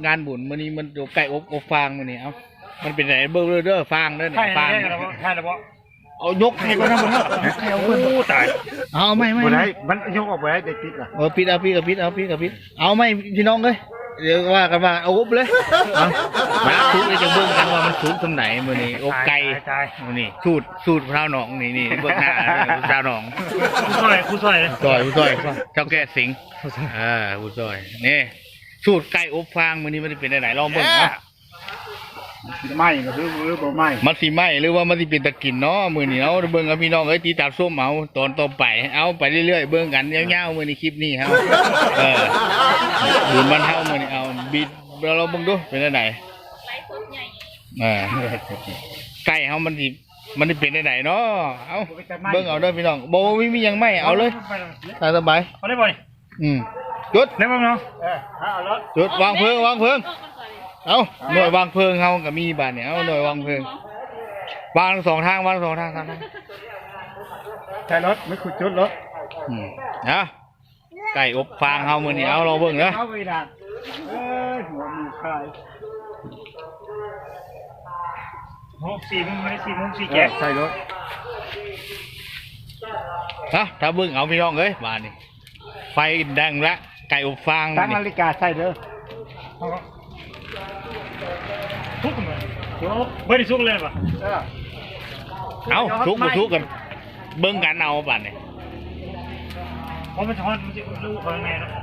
งานบุญมื้อนี้มันอยู่ไก่อบฟางมื้อนี้เอ้ามันเป็นไหนเบิ่งเด้อฟางเด้อเนี่ยฟางใช่แล้วบ่เอายกให้ก่อนนะบ่เนาะโอ้ตายเอาไม่บ่ได้มันยกออกไปได้ปิดล่ะปิดเอาปิดเอาไม่พี่น้องเอ้ยเดี๋ยวว่ากันว่าเอาอบเลยเอามาทุกเลยจะเบิ่งกันว่ามันสูงตรงไหนมื้อนี้อบไก่มื้อนี้สูตรพราวหนองนี่เบิ่งหน้าพราวหนองผู้ซอยเจ้าแก่สิงผู้ซอยนี่สูตรไก่อบฟางมื้อนี้มันสิเป็นไหนลองเบิ่งเนาะไหม้ก็คือหรือบ่ไหม้มันสิไหม้หรือว่ามันสิเป็นตะกินเนาะมื้อนี้เอาเบิ่งกับพี่น้องเอ้ยตีตาส้มเอาตอนต่อไปเอาไปเรื่อยๆเบิ่งกันยาวๆมื้อนี้คลิปนี้ครับบุญมันเฮามื้อนี้เอาบิดเราเบิ่งดูเป็นไหนไลฟ์สดใหญ่ไก่เฮามันสิเป็นไหนเนาะเอาเบิ่งเอาเด้อพี่น้องบ่มีหยังไหม้เอาเลยสบายเอาได้บ่นี่จุดได้บ่เนาะเอารถจุดวางเพลิงเอาหน่วยวางเพลิงเฮาก็มีบ้านเนี่ยเอาหน่วยวางเพลิงวางสองทางใช่รถไม่ขุดจุดรถนะไก่อบฟางเฮามื้อนี้เอาเราเบิ่งเด้อเอาไปด่าหัวมีคาย4 แก่ใช่รถถ้าเบิ่งเอาพี่น้องเอ้ยบ้านนี่ไฟแดงละไก่อบฟางตั้งนาฬิกาใช่เด้อทุกมันไม่ได้ทุกเลยป่ะเอาทุกกันเบิ้งกันเอาป่ะเนี่ยเพราะมันช้อนมันจะรู้คนไงนะ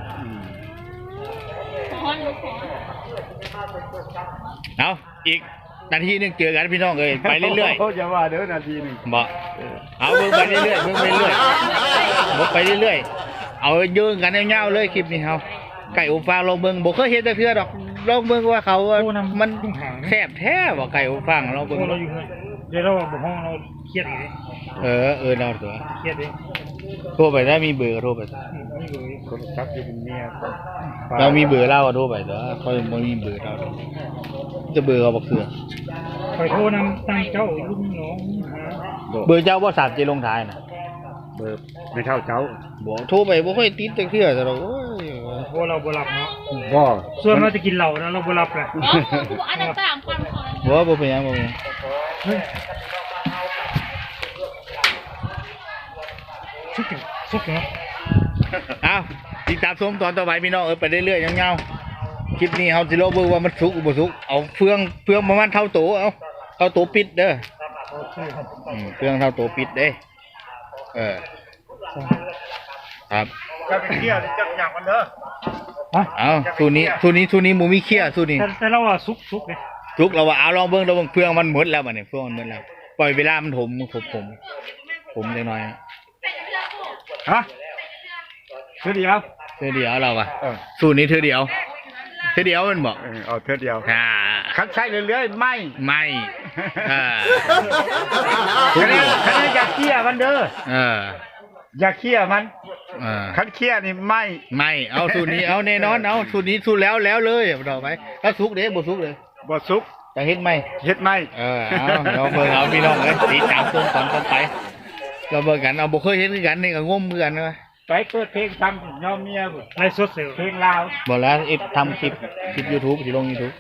เอาอีกนาทีนึงเจอกันพี่น้องเลยไปเรื่อยๆเขาจะว่าเดี๋ยวนาทีนึงบอกเอาเบิ้งไปเรื่อยๆบอกไปเรื่อยๆเอาเยื่อกันเงาๆเลยคลิปนี้เขาไก่อบฟางลองเบิ้งบอกเคยเห็นแต่เพื่อดอกลองเบิ้งว่าเขามันแซ่บแท้บอกไก่อบฟางลองเบิ้งเดี๋ยวเราบอกห้องเราเครียดเลยเราตัวเครียดเลยโทรไปได้มีเบอร์โทรไปมีเบอร์คนจับอยู่เป็นเมียเรามีเบอร์เล่าโทรไปตัวเขาไม่มีเบอร์เราจะเบอร์เขาบอกเสือไปโทรนำตั้งเจ้าลุงน้องเบอร์เจ้าว่าสามเจลงท้ายนะเบอร์ไม่เท่าเจ้าบอกโทรไปบ่ค่อยติดแต่เพื่อแต่เราโทรเราบ่รับเนาะบ่ส่วนเราจะกินเหล้านะเราบ่รับเลยอันนั้นต่างกันบ่เป็นยังสุกเนาะอ้าวติดตามชมตอนต่อไปพี่น้องไปเรื่อยๆเงาๆคลิปนี้เฮาสิโลเบิ่งว่ามันสุกบ่สุกเอาเฟืองประมาณเท่าโตเอาเท่าโตปิดเด้อเฟืองเท่าโตปิดเด้ครับจะไปเคลียร์จะหยักมันเด้อเอาสูนี้หมูมีเคี้ยสูนี้แต่เราว่าสุกเลยสุกเราว่าเอาลองเบิ่งเฟืองมันหมดแล้วบัดนี้เฟืองมันหมดแล้วปล่อยเวลามันผมจังหน่อยเธอเดียวเราอะสูตรนี้เธอเดียวมันบอกเอาเธอเดียวคัดใช้เรื่อยๆไม่คันนี้อย่าเคี่ยมันเด้ออย่าเคี่ยมันคันเคี่ยนี่ไม่เอาสูตรนี้เอาแน่นอนเอาสูตรนี้สูตรแล้วเลยต่อไปถ้าสุกเด้บ่สุกเลยบ่สุกจะเฮ็ดไหมเอาเราเบิ่งเอาพี่น้องเลยติดตามชมตอนต่อไปเราเบิ่งกันเอาบ่เคยเห็นกันนี่ก็งมกันนะไปเปิดเพลงทำยอมเมียไรสดเสียเพลงลาวบอกแล้วทำคลิป YouTube สิลง YouTube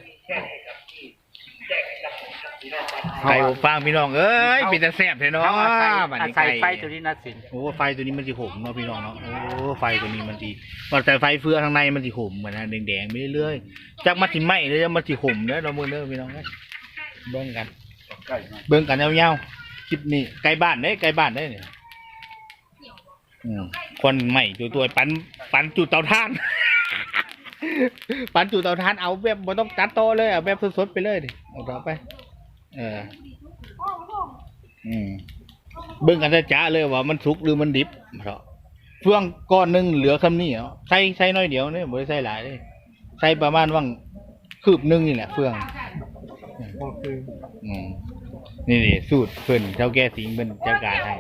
ไก่อบฟางพี่น้องเอ้ยเป็นแต่แซ่บแท้เนาะใส่ไฟตัวนี้นะสิโอ้ไฟตัวนี้มันสิหอมเนาะพี่น้องเนาะโอ้ไฟตัวนี้มันสิแต่ไฟเฟืองข้างในมันสิหอมเหมือนแดงๆไปเรื่อยๆจากมันสิไหม้เลยมันสิหอมเด้อเราเบิ่งเด้อพี่น้องเบิ่งกันยาวๆคลิปนี้ไก่บ้านได้เนี่ยคนใหม่ตัวปันจุดเตาถ่านเอาแบบไม่ต้องตัดโตเลยเอาแบบสดๆไปเลยดิเอาต่อไปเบิ่งกันจ้าเลยว่ามันสุกหรือมันดิบเพราะเฟืองก้อนนึงเหลือคำนี้ใส่น้อยเดียวเนี่ยไม่ได้ใส่หลายเลยใส่ประมาณว่างคืบนึงนี่แหละเฟืองนี่สูตรเพิ่นเจ้าแก่สิงเป็นเจ้าการให้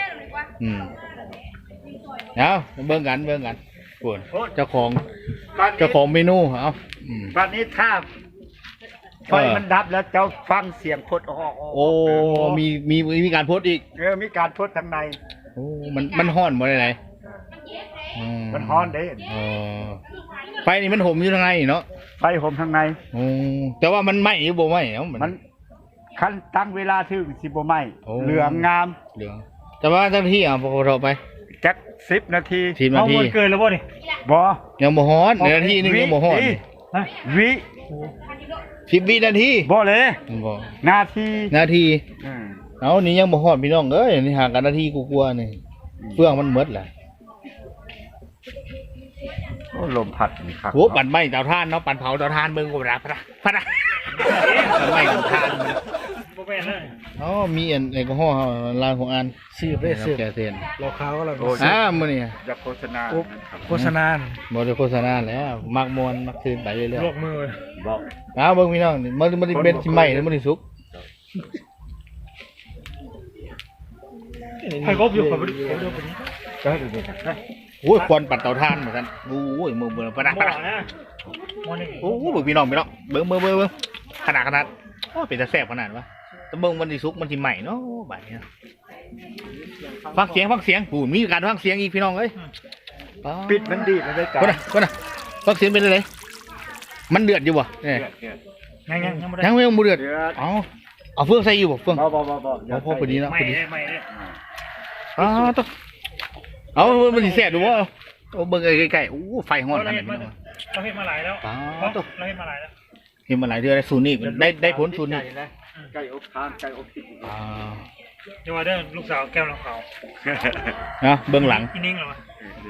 เอาเบิ่งกันปวดเจ้าของเมนูเอาตอนนี้ถ้าไฟมันดับแล้วเจ้าฟังเสียงพดออกโอ้มีการพดอีกมีการพดทางในโอ้มันฮ้อนบ่ได้ไหนมันฮ้อนเด้ไฟนี่มันห่มอยู่ทางในเนาะไฟห่มทางในโอ้แต่ว่ามันไหม้หรือบ่ไหม้เนาะมันคันตั้งเวลาถึงสิบ่ไหม้โอ้เหลืองงามเหลืองแต่ว่าเจ้าหน้าที่พอเราไปจัก10 นาที 10 นาทีเกินแล้วบ่นี่บ่ยังบ่ฮอดนาทีนึงยังบ่ฮอดฮะวิ 10 วินาทีบ่เลยบ่นาทีนาทีอืมเอานี่ยังบ่ฮอดพี่น้องเอ้ยนี่ห่างกันนาทีกว่าๆนี่เฟื่องมันหมดแหละโอ้ลมพัดนี่ครับโหปั่นไหม้เตาถ่านเนาะปั่นเผาเตาถ่านเบิ่งก็บ่ได้พะนะปั่นไหม้เตาถ่านบ่แม่นเลยอ๋อมีอันแอลกอฮอล์ร้านของอันสืบได้สืบแกเซียนรอข้าวก็แล้วมื้อนี้อย่าโฆษณานะครับโฆษณาบ่ได้โฆษณาแล้วมักมวนมักคืนไปเรื่อยลวกมือบอกๆเอาเบิ่งพี่น้องนี่มันเป็นสิไหม้หรือมันสิสุกให้กบอยู่กับผมดูไปนี้ได้ดูดิโอ้ยควันปั่นเตาถ่านเหมือนกันโอ้ยมือปะนะบ่นะบ่นี่โอ้โหเบิ่งพี่น้องเบิ่งขนาดโอ้เป็นตาแซ่บขนาดวะแต่เบิ่งมันสิสุกมันสิไหม้เนาะบัดนี้ฟังเสียงปู่มีการฟังเสียงอีกพี่น้องเอ้ยปิดมันดีแล้วได้กันคนน่ะฟังเสียงเป็นอะไรมันเดือดอยู่บ่เนี่ยยังบ่ได้ยังไม่เดือดเอาเฟืองใส่อยู่บ่เฟืองบ่เอาพอพอดีนะไม่พอดีได้ไม่ได้ต้องเอามันสิแซ่บดูบ่เอาเบิ่งใกล้ๆโอ้ไฟฮ้อนขนาดนี้เราเฮ็ดมาหลายแล้วเราเฮ็ดมาหลายแล้วเห็นมาหลายเดือนแล้วสูตรนี้ได้ผลสูตรนี้ไก่อบทานไก่อบพริกอย่าว่าเด้อลูกสาวแก้วน้ำขาวนะเบื้องหลังอีนิ่งเหรอวะ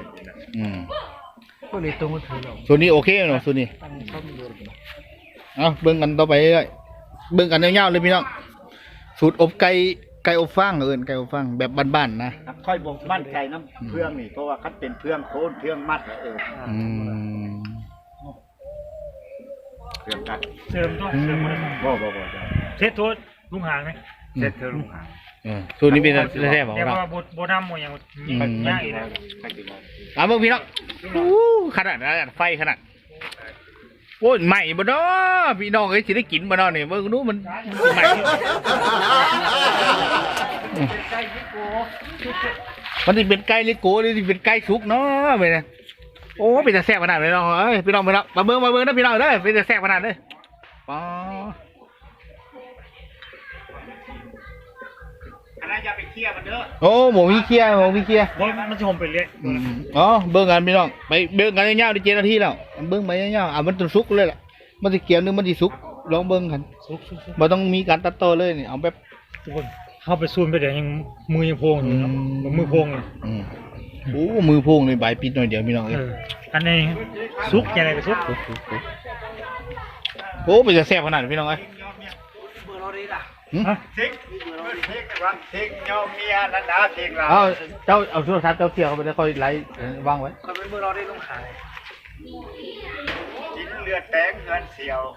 ก็เลยตัวมือถือเราสูตรนี้โอเคเนาะสูตรนี้เอาเบิ่งกันต่อไปเรื่อยเบิ่งกันยาวๆเลยพี่น้องสูตรอบไก่อบฟางไก่อบฟางแบบบ้านๆนะค่อยบอกมั่นใจน้ำเพื่องนี่เพราะว่าคัดเป็นเพื่องโคนเพื่องมัดแล้วเพื่องกัดเสริมตัวเสริมบ่ได้บ่เซ็ตตัวลุงหางไหมเสร็จเธอลุงหางสูตรนี้เป็นแท้ๆของแต่เราว่าบ่ดำบ่ยังยากอีกนะเอาเบิ่งพี่น้องขนาดไฟขนาดโอ้ยใหม่บ่เนาะพี่น้องเอ้ยสิได้กินบ่เนาะนี่เบิ่งดูมันใหม่มันสิเป็นไก่หรือโกหรือสิเป็นไก่สุกเนาะไปนะโอ้เป็นแต่แซ่บขนาดเลยเนาะเอ้ยพี่น้องไปแล้วมาเบิ่งนะพี่น้องเด้อเป็นแต่แซ่บขนาดเลยป๋ออันนั้นอย่าไปเคลียร์มันเด้อโอ้หมูมีเคลียร์บ่มันสิห่มไปเรื่อยอ๋อเบิ่งกันพี่น้องไปเบิ่งกันยาวๆได้7 นาทีแล้วเบิ่งไปยาวๆมันต้องสุกเลยล่ะมันสิเกี่ยวนึงมันสิสุกลองเบิ่งกันสุกบ่ต้องมีการตัดต่อเลยนี่เอาแบบทุกคนเข้าไปซูมไปเดี๋ยวยังมือยังโพงอยู่เนาะมือโพงเลยโอ้มือโพงเลยใบปิดหน่อยเดียวพี่น้องเอ้ยอันนี้ซุกยังไงก็ซุกโอ้เป็นจะแซ่บขนาดพี่น้องเอ้ยฮะทิ้งวันทิ้งยอมเมียนันดาทิ้งเราเอาเจ้าเอาโทรศัพท์เจ้าเที่ยวเข้าไปแล้วค่อยไลฟ์วางไว้เขาเป็นมือเราได้ลงขายกินเลือดแตงเงินเสียว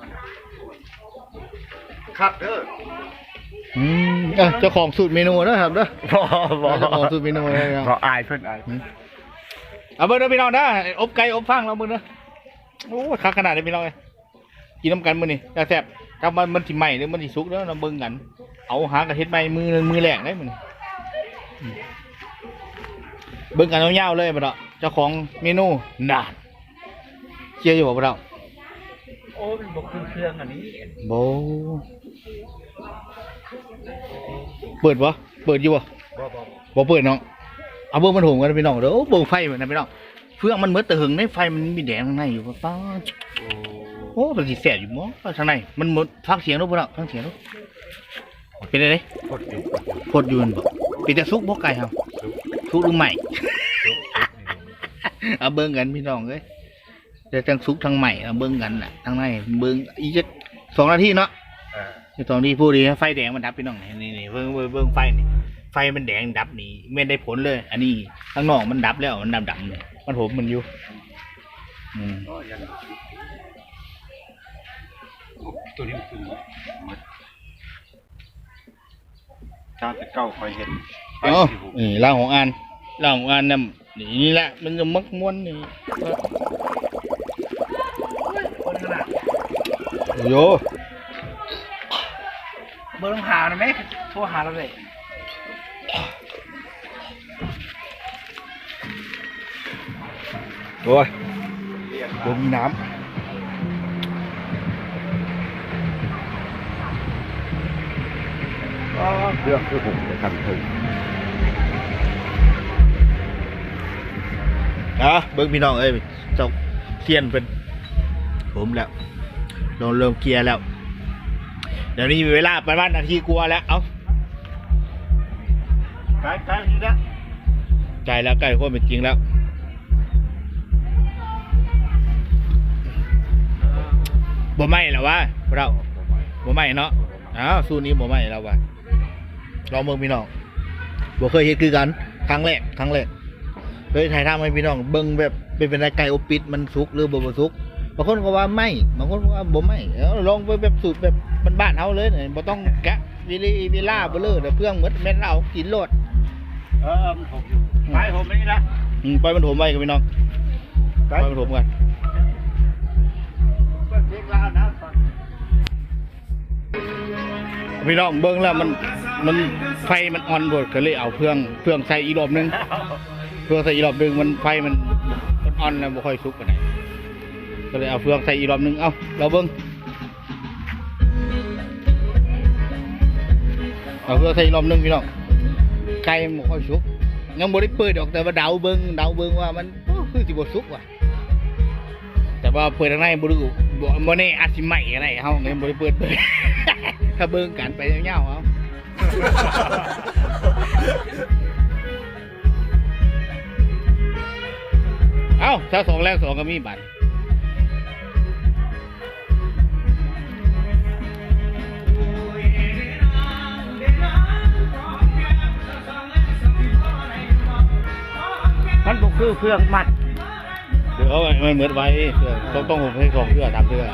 ครับเด้อเจ้าของสูตรเมนูนะครับเด้อบ่เจ้าของสูตรเมนูเลยครับบ่อายเพิ่นอายเอาเบิ่งเด้อพี่น้องเด้ออบไก่อบฟางเราเบิ่งเด้อโอ้คักขนาดนี้พี่น้องเอ้ยกินน้ำกันมื้อนี้แซ่บๆถ้ามันสิใหม่หรือมันสิสุกเด้อเราเบิ่งกันเอาหากระเฮ็ดใหม่มือแรกได้มื้อนี้เบิ่งกันยาวๆเลยบ่ดอกเจ้าของเมนูน่ะเชียร์อยู่บ่ดอกโอ้เป็นบอกเครื่องอันนี้โบเปิดบ่เปิดอยู่บ่บ่เปิดน้องเอาเบิ่งมันโหมกันพี่น้องเด้อเบิ่งไฟมันนะพี่น้องเฟืองมันเหมือนตะหึงในไฟมันมีแดงข้างในอยู่ป้าโอ้มันสิแสบอยู่มั้งข้างในมันหมดฟังเสียงดูบ่ล่ะฟังเสียงดูเป็นอะไรพดอยู่มันบ่เป็นแต่ซุกบ่ไก่เฮาซุกหรือใหม่ เอาเบิ่งกันพี่น้องเอ้ยเดี๋ยวทั้งซุกทั้งใหม่เอาเบิ่งกันน่ะทั้งในเบิ่งอีกจัก2 นาทีเนาะ2 นาทีพูดดีไฟแดงมันดับพี่น้องนี่เบิ่งไฟนี่ไฟมันแดงดับนี่ไม่ได้ผลเลย อันนี้ข้างนอกมันดับแล้วมันดำๆเนี่ยมันผมมันอยู่ตัวนี้คือชาติเก่าคอยเห็นอ๋อนี่ล่างของอันน่ะนี่แหละมันจะมักม้วนนี่โยเบอร์ลงหาหน่อยไหมโทรหาเราเลยโอ้ยผมมีน้เรื่องคือผมจะทำถึงเบิ้งพี่น้องเอ้ยเจ้าเทียนเป็นผมแล้วโดนเริ่มเกียร์แล้วเดี๋ยวนี้มีเวลาประมาณนาทีกลัวาแล้วเอาใกล้นี่นะใกล้แล้วใกล้ความเป็นจริงแล้วบ่ไหม้แล้ววะเราบ่ไหม้เนาะสู้นี้บ่ไหม้แล้ววะลองเบิ่งพี่น้องบ่เคยเห็นคือกันครั้งแรกเลยถ่ายทำให้พี่น้องเบิ่งแบบเป็นไก่อบปิดมันสุกหรือบ่สุกบางคนก็ว่าไม่บางคนก็ว่าบ่ไม่ลองไปแบบสูตรแบบบ้านๆเฮาเลยบ่ต้องแกะวิล่าบ่เลยเพื่องหมดแม่นเอากินโลดมันถมอยู่ไปผมนี่ละปล่อยมันถมไว้กับพี่น้องปล่อยมันถมกันพี่น้องเบิ่งแล้วมันไฟมันอ่อนโดดก็เลยเอาเพื่องใส่อีกรอบนึงเพื่องใส่อีกรอบนึงมันไฟมันอ่อนแล้วบ่ค่อยสุกปานใดก็เลยเอาเฟืองใส่อีกรอบนึงเอ้าเราเบิ่งเอาเฟืองใส่อีกรอบนึงพี่น้องไก่มันบ่ค่อยสุกยังบ่ได้เปิดออกแต่ว่าเดาเบิ่งว่ามันคือสิบ่สุกว่ะแต่ว่าเปิดทางในบ่รู้บ่แน่อาจสิไหม้อะไรเฮาเลยบ่ได้เปิด ถ้าเบิ่งกันไปยาวๆเอาถ้า2แรง2ก็มีบัตรมันบ่คือเครื่องมัดเดี๋ยวมันเหมือนไว้ต้องผมให้2เทื่อ3เทื่อ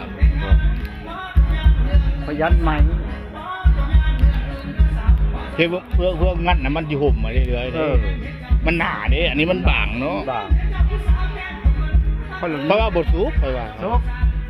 ประหยัดไหมเพื่องัดนะมันจะห่มมาเรื่อยๆมันหนาเด้อันนี้มันบางเนาะเพราะว่าบทซุกไปว่าซุก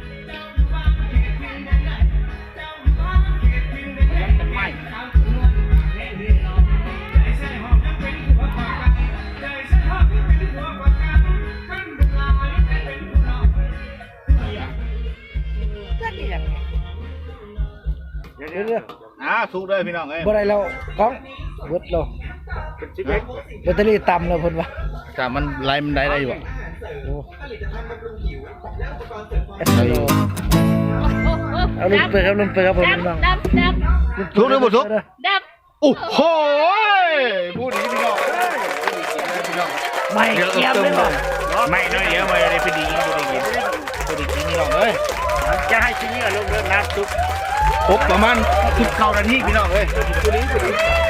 สุกเลยพี่น้องเอ้ยบ่ได้แล้วก้องเบิดแล้วแบตเตอรี่ต่ำแล้วเพิ่นว่าแต่มันไล่มันได้อยู่อ่ะโอ้เอาลงไปครับผมน้องสุกหรือบ่สุกดับโอ้โหพูดอย่างนี้พี่น้องไม่เกี่ยมเลยบ่ไม่น้อยเดี๋ยวไม่ได้ไปดีพี่น้องเอ้ยจะให้ชิ้นนี้ลงเรื่องน้ำซุปครบประมาณ19 นาทีพี่น้องเอ้ย